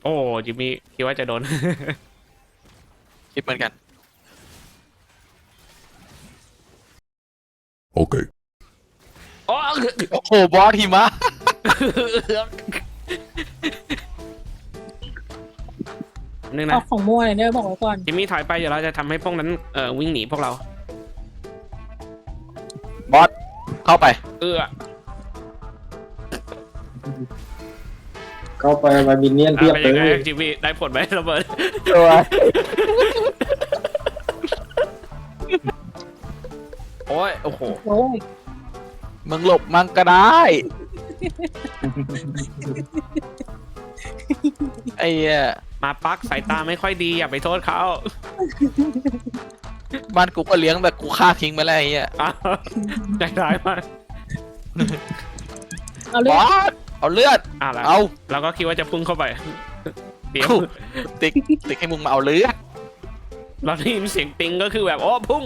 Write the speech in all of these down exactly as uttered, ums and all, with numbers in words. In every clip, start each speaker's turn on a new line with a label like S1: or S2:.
S1: โอ้จิมมี่คิดว่าจะโดน
S2: คิดเหมือนกัน
S3: Okay.
S1: โอ้
S2: โอ้โหบอสหิมะ
S1: นึง
S4: เอา
S1: นะ
S4: ของมั่วเลยเนี่ยบอกไว้ก่อน
S1: จิมมี่ถอยไปเดี๋ยวเราจะทำให้พวกนั้นเอ่อวิ่งหนีพวกเรา
S2: บอสเข้าไป
S1: เออ
S5: เข้าไปมาบินเนียนเทียบ
S1: เป็น
S5: เล
S1: ยังไง
S5: ย
S1: จิมมี่ได้ผลไหมระเบิด
S2: ตัว
S1: โอ้ยโอ้โห
S4: โอ้ย
S2: มึงหลบมังก็ได้ไอ้เหี้ย
S1: มาปักสายตาไม่ค่อยดีอย่าไปโทษเขา
S2: บ้านกูก็เลี้ยงแต่กูฆ่าทิ้งไปแล้วไอ้เหี้ย
S1: อ้าวใจร้ายมาก
S4: เอา
S2: บ
S4: เลือ
S2: อ
S4: ด
S2: สเอาเลือด
S1: อ่ะแล้ว
S2: เอา
S1: เราก็คิดว่าจะพุ่งเข้าไปเดี๋ยว
S2: ติ๊กติ๊กให้มึงมาเอาเลือด
S1: เราได้ยินเสียงติงก็คือแบบโอ้พุ่ง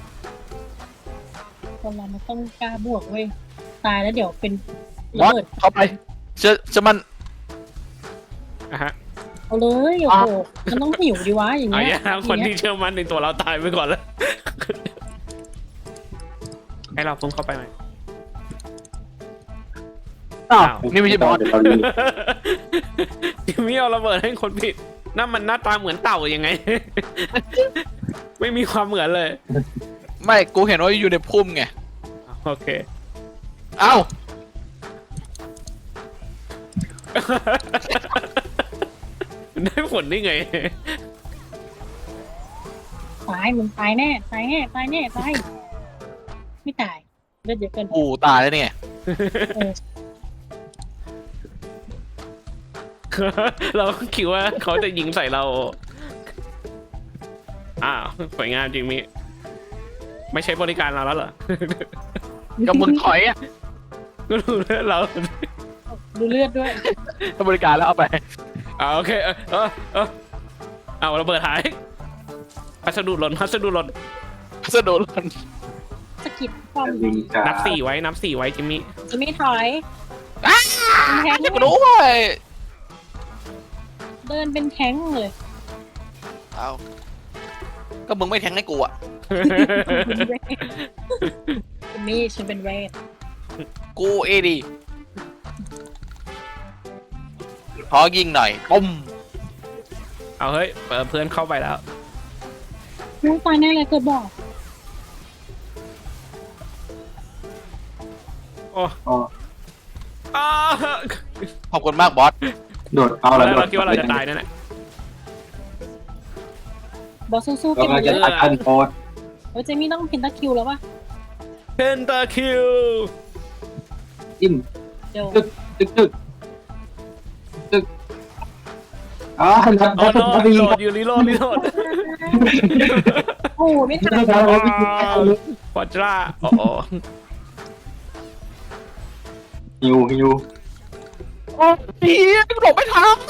S4: คนเรามันต้องกล้าบวกเว้ยตายแล้วเดี๋ยวเป็น
S2: บ
S4: ระ
S2: อส
S4: เบิด
S2: เข้าไปเชื่อเชื่อมัน
S1: อ่ะฮะ
S4: เอาเลยโอ้โหมันต้องหิวดีวะอย่าง
S1: เอา
S4: เงี้
S1: อย ย่างคนที่เชื่อมั่นในตัวเราตายไปก่อนแล้ว ให้เราพุ่งเข้าไปไหม
S2: อ้าวนี่ไม่ใช่บอส
S5: เดี๋ยวเราดู
S1: จิมมี่เอาระเบิดให้คนผิดนั่นมันหน้าตาเหมือนเต่ายังไง ไม่มีความเหมือนเลย
S2: ไม่กูเห็นว่าอยู่ในพุ่มไง
S1: โอเค
S2: เอ้า
S1: ได้ผลได้ไง
S4: ตายมึงตายแน่ตายแน่ตายแน่ตายไม่ตายเลือดเยอะเกิน
S2: กูตายแล้วเนี่ย
S4: เออ
S1: เราก็คิดว่าเขาจะยิงใส่เรา อ้าวสวยงามจริงมิไม่ใช่บริการเราแล้วเหรอ
S2: ก็มึงถอยอ่ะ
S1: ก็รู้แล้วเรา
S4: ดูเลือดด้วย
S2: ถ้าบริการแล้วเอาไป
S1: อ่าโอเค เออเออเออเอาระเบิดหายพัสดุหล่นพัสดุหล่น
S2: สะดุดมัน
S4: สะกิดความ
S5: วิ่งกา
S1: นับสี่ไว้นับสี่ไว้จิมมี่
S4: จะไม่ถอย
S2: อ้า
S4: เป็นแท้ง
S2: จะกูด้วย
S4: เดินเป็นแท้งเลย
S2: เอาก็มึงไม่แทงให้กูอ่ะ
S4: เป็นเวทเป็นมีฉันเป็นเวท
S2: กูเอดีขอยิงหน่อยปุ้ม
S1: เอาเฮ้ยเปิดเพื่อนเข้าไปแล้ว
S4: รู้ตายแน่เลยเกิดบอก
S1: โอ้
S5: อ๋อ
S1: อ้า
S2: ขอบคุณมากบอส
S5: โดดเอา
S1: แล้
S5: แล้ว ว
S1: เราคิดว่าเราจะตายนั่นแหละ
S4: บอสสู้ๆ
S5: เรา
S4: เก็บหมด
S5: จะ
S4: เลย
S5: ตัดอันโพส
S4: เฮ้ยเจมี่ต้องเพนตาคิวแล้วป่ะ
S1: เพนตาคิว
S5: จิ้ม
S4: เดี๋ยว
S5: ตึกตึกตึกตึกอ๋อนัด
S1: โอ้
S5: นัด
S1: โน
S5: นัด
S1: รี
S5: ยิ
S1: โห
S5: ง
S1: ลดอยู่รีโหลดรีโหลด
S4: โอ้โหไม่ทัน
S5: นัดเราวิ่งเอาเลย
S1: ฟอร์จ้าโอ้โห
S5: ฮิวฮิว
S2: โอ้พี่หลบไม่ทัน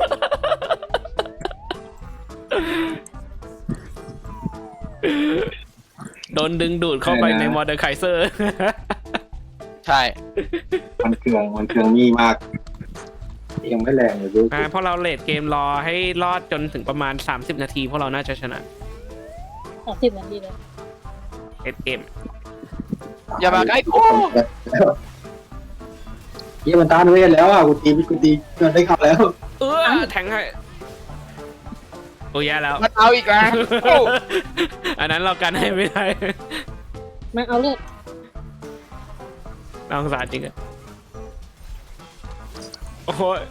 S1: โดนดึงดูดเข้าไปในมอเตอร์ไคเซอร์
S2: ใช่
S5: มันเครื่องมันเครื่องนี่มากยังไม่แรงเลยดู
S1: อ่าเพราะเราเลดเกมรอให้รอดจนถึงประมาณ สามสิบ นาทีพวกเราน่าจะชนะ
S4: สามสิบนาทีเลย
S1: เลดเกม
S2: อย่ามาใกล้กู
S5: เยี่ยมันต้านเวทแล้วอ่ะกูตีกูตีมันได้ขับแล้ว
S1: เออแทงให้โอ้ยแย่แล้ว
S2: มันเอาอีกแล้วโอ้
S1: อันนั้นเรากันให้ไม่ได้
S4: มาเอาเลือด
S1: น่าสงสารจริงอะโอ้ย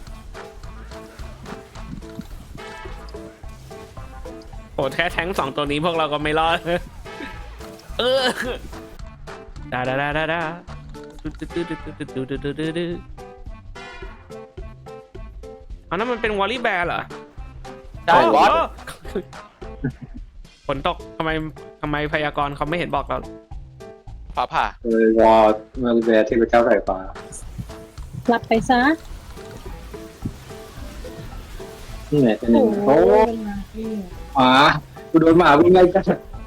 S1: โอ้แค่แทงสองตัวนี้พวกเราก็ไม่รอด เออดาดาดาดาดาอันนั้นมันเป็นวอลลี่แบร์เหรอ
S2: ใช่บอส
S1: โฝนตกทำไมทำไมพยากรณ์เขาไม่เห็นบอกเรา
S2: ผ่าผ่า
S5: เลยวอร์มาริเบร์เทพเจ้าสายฟ้า
S4: รับไปซะ
S5: นี่ไงเป็น
S4: โอ้
S5: ยัง
S4: โห
S5: โอ้
S4: เป็นมาที่
S5: หมากูโดนหมาวิ่งไล่กัน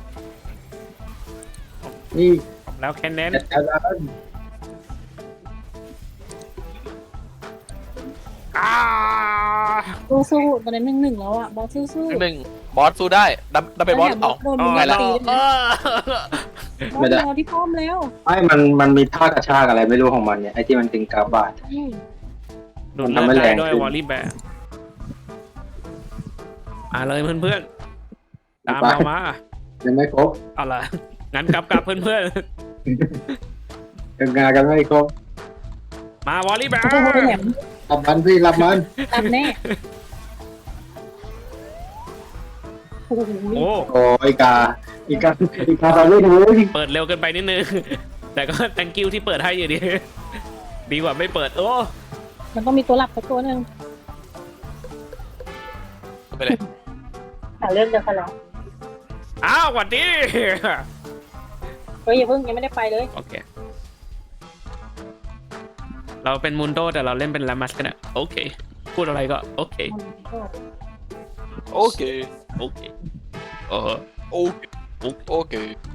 S5: นี่
S1: แล้วแคนเนน
S5: จัดการแล้ว
S1: อ้า
S4: สู้สู้ตอนนี้หนึ่งหนึ่งแล้วอ่ะบอสสู้สู้
S2: หนึ่งบอสสู้ได้ดับดับไปบอสเอา
S4: โดน
S1: อ๋
S4: มึ
S1: อง
S2: ไงล่ะ
S4: ตี
S1: เอ
S4: เลย
S1: อ
S4: บอสรอที่ป้อมแล้ว
S5: ไม่มันมันมีท่ากระชากอะไรไม่รู้ของมันเนี่ยไอ้ที่มันเป็นกาบาด
S4: อืม
S1: ดูดเลือดได้ด้วยวอลลี่แบร์มาเลยเพื่อนๆตามเรามา
S5: ยังไม่ครบ
S1: เอาล่ะงั้นกลับกลับเพื่อน
S5: ยังงานกันไม่ครบ
S1: ๆมาวอลลี่แบร์
S4: โอ้โหแหลม
S5: รับมันพี่รับมัน
S4: ตัดแน่โอ้โห
S1: โอ้
S5: โอ้อีกาอีกาอีกาเราไม่รู้
S1: เปิดเร็วเกินไปนิดนึง แต่ก็ thank you ที่เปิดให้อยู่ดี ดีกว่าไม่เปิดโอ้
S4: มันต้องมีตัวหลับสักตัวหนึ่ง
S2: ไปเลย
S4: หาเรื่องเดียวกันแล้ว
S1: อ้าวสวัสดี
S4: เฮ้ยอย่าเพิ่งยังไม่ได้ไปเลย
S1: โอเค เราเป็นมุนโดแต่เราเล่นเป็นลามัสกันอะโอเค พูดอะไรก็โอเค
S2: โอเค
S1: โอเคเออ
S2: โอเคโอเค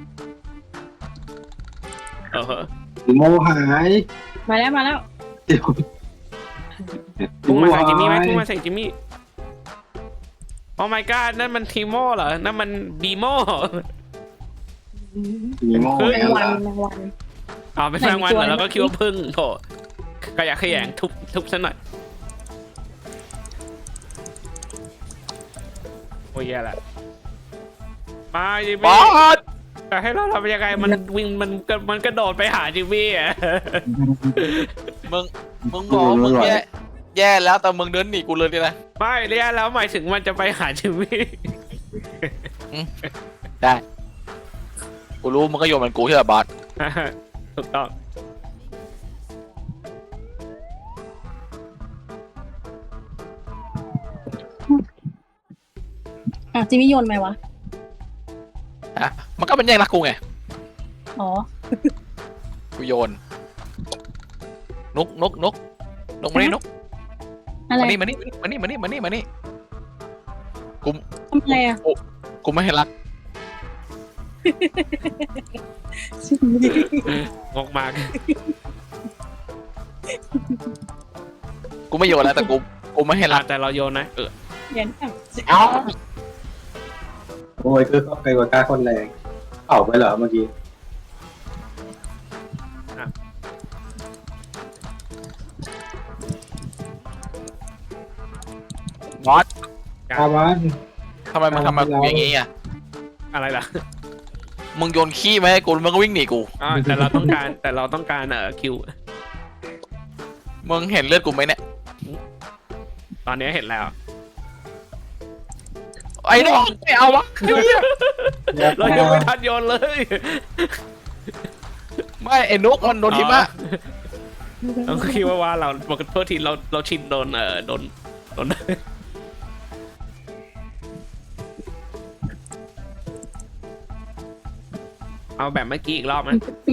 S1: เออ
S5: โมหาย
S4: มาแล้วมาแล้ว
S5: เดี๋ยว
S1: พุ่งมาใส่จิมมี่ไหมพุ่งมาใส่จิมมี่โอ้ my god นั่นมันทีโม่เหรอ นั่นมันบีโม่
S5: มีโม
S1: เฮ้ย
S4: แมงวันแมงวัน
S1: อ๋อเป็นแมงวันเหรอเราก็คิดว่าพึ่งโถขยะแขยงทุบทุบซะหน่อยโอ้ยแย่ละมาจิม
S2: บ
S1: มี่
S2: อส
S1: แต่ให้เราทำยังไงมันวิ่งมันก็มันกระโดดไปหาจิมมี่อ่ะ
S2: มึงมึงบอกมึงแย่แย่แล้วแต่มึงเดินหนีกูเลยดินะ
S1: ไม่เรียกแล้วหมายถึงมันจะไปหาจิมมี่
S2: ได้กูรู้มึงก็โยนมันกูใช่ไหมบอส
S1: ถูกต้อง
S4: อ่ะจิมมี่โยนไหมวะ
S2: ฮะมันก็เป็นแย่งรักกูไง
S4: อ๋อ
S2: กูโยนนกนกนกนกมานี่นก
S4: อะไร
S2: มานี่มานี่มานี่มานี่มานี่มานี่กู
S4: ทำอะไรอ่ะ
S2: กูกูไม่ให้รัก
S1: งกมาก
S2: กูไม่โยนแล้วแต่กูกูไม่ให้รัก
S1: แต่เราโยนนะเออ
S4: เย็นอ่ะ
S2: เอ้า
S5: โอ้ยคือใครว่ากล้าคนแรงเป่าไปเหรอเมื่อกี้
S2: บอส
S5: กามัน
S2: ทำไมมึงทำแบบอย่างงี้อ่ะ
S1: อะไรล่ะ
S2: มึงโยนขี้มาให้กูมึงก็วิ่งหนีกู
S1: อ่าแต่เราต้องการแต่เราต้องการเอ่อคิว
S2: มึงเห็นเลือดกูไหมเนี่ย
S1: ตอนนี้เห็นแล้ว
S2: ไอ้น้องไม่เอาวะเหี้ย
S1: เรายังไม่ทันโยนเลย
S2: ไม่ไอ้นกมันโดนทิมะ
S1: เราก็คิดว่าว่าเราปกติทีเราเราชินโดนเอ่อโดนโดนเอาแบบเมื่อกี้อีกรอบไหม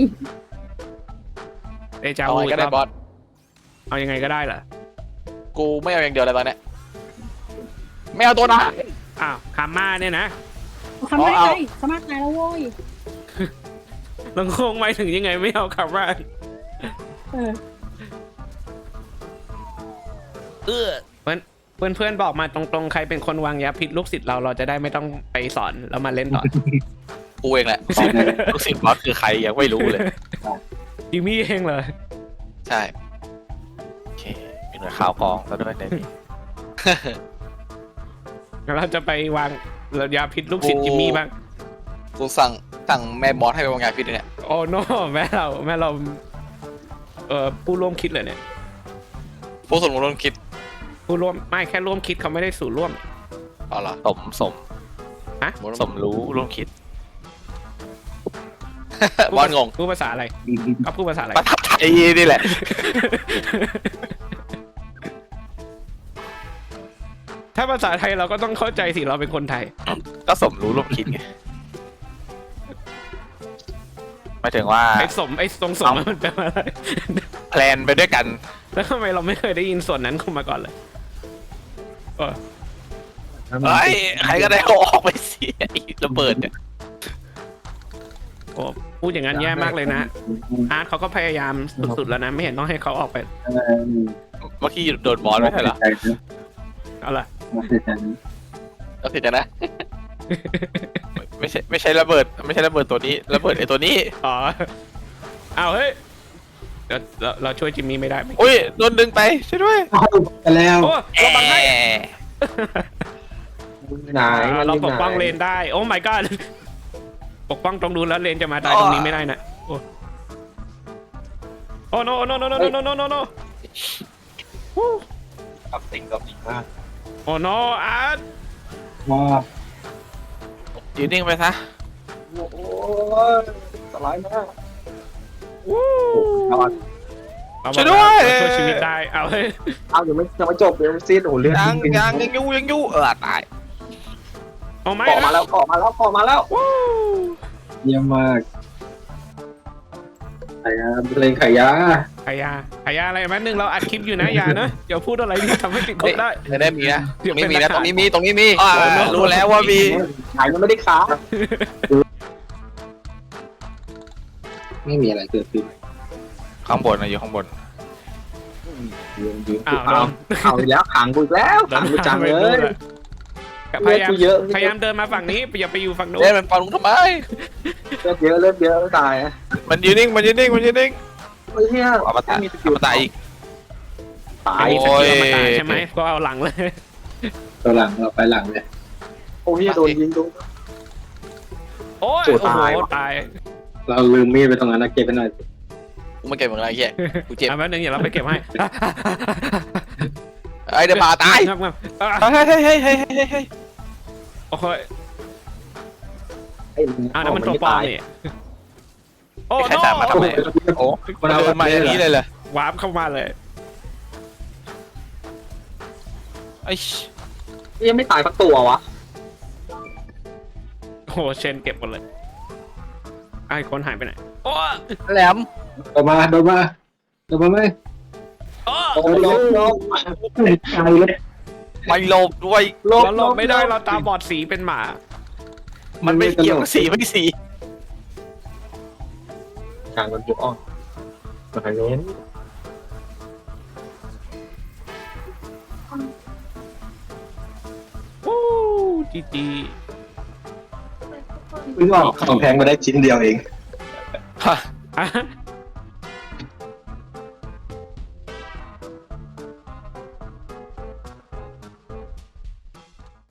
S1: เดจา
S2: เอา
S1: วู
S2: ไง
S1: อี
S2: ก็
S1: กร
S2: ได้
S1: อบบ
S2: อส
S1: เอายังไงก็ได้เหรอ
S2: กูไม่เอาอย่างเดียวเลยตอนเนี้ยไม่เอาตัวนะ
S1: อ้าวคาม่าเนี่ยนะ
S4: ทำได้
S2: เอา
S4: ไงสามารถตายแล้วโว้ย
S1: เราคงหมายถึงยังไงไม่เอาคาม่า
S4: เออ
S1: เออเพื่อนเพื่อนเพื่อนบอกมาตรงๆใครเป็นคนวางยาพิษลูกศิษย์เราเราจะได้ไม่ต้องไปสอนแล้วมาเล่นต่อ
S2: กูเองแหละลูกศิษย์บอสคือใครยังไม่รู้เลย
S1: จิมมี่เองเลย
S2: ใช่
S3: โอเคมีหน่วยข่าวกองแล้วด้วยในนี้
S1: เราจะไปวางยาพิษลูกศิษย์จิมมี่บ้าง
S2: กูสั่งสั่งแม่บอสให้ไปวางยาพิษเนี่ย
S1: โอ้โนแม่เราแม่เราเอ่อผู้ร่วมคิดเลยเนี่ย
S2: ผู้สมรู้ร่วมคิด
S1: ผู้ร่วมไม่แค่ร่วมคิดเขาไม่ได้สู่ร่วม
S2: เอาเหรอ
S3: สมสม
S1: ฮะ
S3: สมรู้ร่วมคิด
S2: บอสงง
S1: พูดภาษาอะไรเขาพูดภาษาอะไร
S2: ประทับใจนี่แหละ
S1: ถ้าภาษาไทยเราก็ต้องเข้าใจสิเราเป็นคนไทย
S3: ก็สมรู้ร่วมคิดไงหมายถึงว่า
S1: ไอ้สมไอ้ตรงสมมันแปลว่าอะไร
S3: แพลนไปด้วยกัน
S1: แล้วทำไมเราไม่เคยได้ยินส่วนนั้นเข้ามาก่อนเลยเออ
S3: เฮ้ยใครก็ได้เอาออกไปสิไอ้ระเบิดเนี่ย
S1: โอ้พูดอย่างนั้นแย่มากเลยนะอาร์ตเขาก็พยายามสุดๆแล้วนะไม่เห็นต้องให้เขาออกไป
S3: เมื่อกี้โดนบอสไม่ใช่เหรอ
S1: เอาละ
S5: มาเสร็จแล้ว
S2: เราเสร็จกันนะ ไม่ใช่ไม่ใช่ระเบิด ไม่ใช่ระเบิดตัวนี้ระเบิดไอ้ตัวนี้
S1: อ๋อเอาเฮ้ยเดี๋ยวเราเราช่วยจิมมี่ไม่ได้ไหม
S2: อุ้ยโดนดึงไปช่วยด้วย
S5: เอาไปแล้ว
S1: โอ้เราบังให้
S5: ไหน
S1: อ่าเราปกป้องเลนได้ โอ้ my god ปกป้องตรงนู้นแล้วเลนจะมาตายตรงนี้ไม่ได้นะโอ้โอ้ no no no no no no no no no
S5: กับติงกับติงมาก
S1: โอ้ no อาร์ต
S5: ว้า
S2: ยืนนิ่งไปซะ
S5: โอ้ยสไลด์มาก
S1: วู้
S5: นอน
S1: เราบอกแล้วเราช่วยชีวิตได้เอาเฮ้ย
S5: เอายังไม่ยังไม่จบเลยซีดโอ้เลือด
S2: ยังยังยังยูยังยูเออตาย
S1: เอาไหม
S5: เกาะมาแล้วเกาะมาแล้วเกาะมาแล้ว
S1: วู้
S5: เยี่ยมมากไข่ยาเลงไข่ยา
S1: ขายาขายาอะไรแป๊บนึงเราอัดคลิปอยู่นะอย่านะอย่าพูดอะไรที่ทำให้ติดคุกได้
S2: ไม่ได้มีนะ
S1: เดี๋ยว
S2: ไม่
S1: เป็น
S2: มี
S1: หลั
S2: นะ
S1: ก
S2: ต
S1: ฐาน
S2: รงนี้มีตรงนี้มีอ่ารู้แล้วว่ามี
S5: ขายมันไม่ได้ค้าไม่มีอะไรเกิดขึ้น
S2: ข้างบนนะอยู่ข้างบน
S5: ยืนยืน
S1: อ้าวโด
S5: เอา
S1: น
S5: เอาอีกแล้วขังกูอีกแล้วขังกูจังเลย
S1: พยายาม
S5: เลือดกูเยอะ
S1: พยายามเดินมาฝั่งนี้อย่าไปอยู่ฝั่งนู้น
S2: เล่นมันปาลุงทำไม
S5: เลือดเยอะเลือดเยอะตาย
S2: มันยืนนิ่งมันยืนนิ่งมันยืนนิ่ง
S5: ไอ้เหี้ย
S2: เอามาตาย
S5: มีสกิ
S2: เอา
S5: ล
S2: มาตายอีก
S5: ตาย
S1: มีส
S2: โอ้
S1: กิล
S2: ย
S1: มาตายใช่ไหมก็เอาหลังเลย
S5: ตัวหลังเราไปหลังเลยโอ้ยโดนยิงโดน
S1: โอ้ย
S5: โอ้
S1: โอ้โห
S5: ตายว่ะ
S1: ตาย
S5: เราลืมมีดไปตรงนั้นนะเก็บไปหน่อย
S2: กูไม่เก็บมึงอะไรเหี้ยกูเจ็บ
S1: อ่ะแป๊บนึงอย่าเราไปเก็บให้
S2: ไอ้เดี๋ยวพาตาย
S1: งับงับอ่ะ
S2: เฮ้ยเฮ้ยเฮ้ยเฮ้ยเฮ้ยเฮ้ย
S1: โอ้ย
S5: ไอ้มึง
S1: อ่ะนั่นมันตัวปลอมนี่โอ้
S2: ใคร
S1: โน
S2: ตามมาทำไมโอ้มันเดินมาอย่างนี้เลยเหรอ
S1: วาร์ปเข้ามาเลย
S2: ไอ้
S5: ยังไม่ตายสักตัววะ
S1: โอ้โหเชนเก็บหมดเลยไอ้คนหายไปไหนโอ้
S2: แหลม
S5: โดนมาโดนมาโดนมาไหม
S1: โอ้
S5: โอ้ยลบลบตายเลย
S2: ไม่หลบด้วย
S5: ลบ
S1: เราหลบไม่ได้เราตาบอดสีเป็นหมา
S2: มันไม่เกี่ยวกับสีไม่สี
S5: กลางมันจุกอ้อมาทางนี้
S1: วู้จีจี
S5: เพิ่งออกของแพงมาได้ชิ้นเดียวเอง
S2: ฮะ
S1: อ่ะ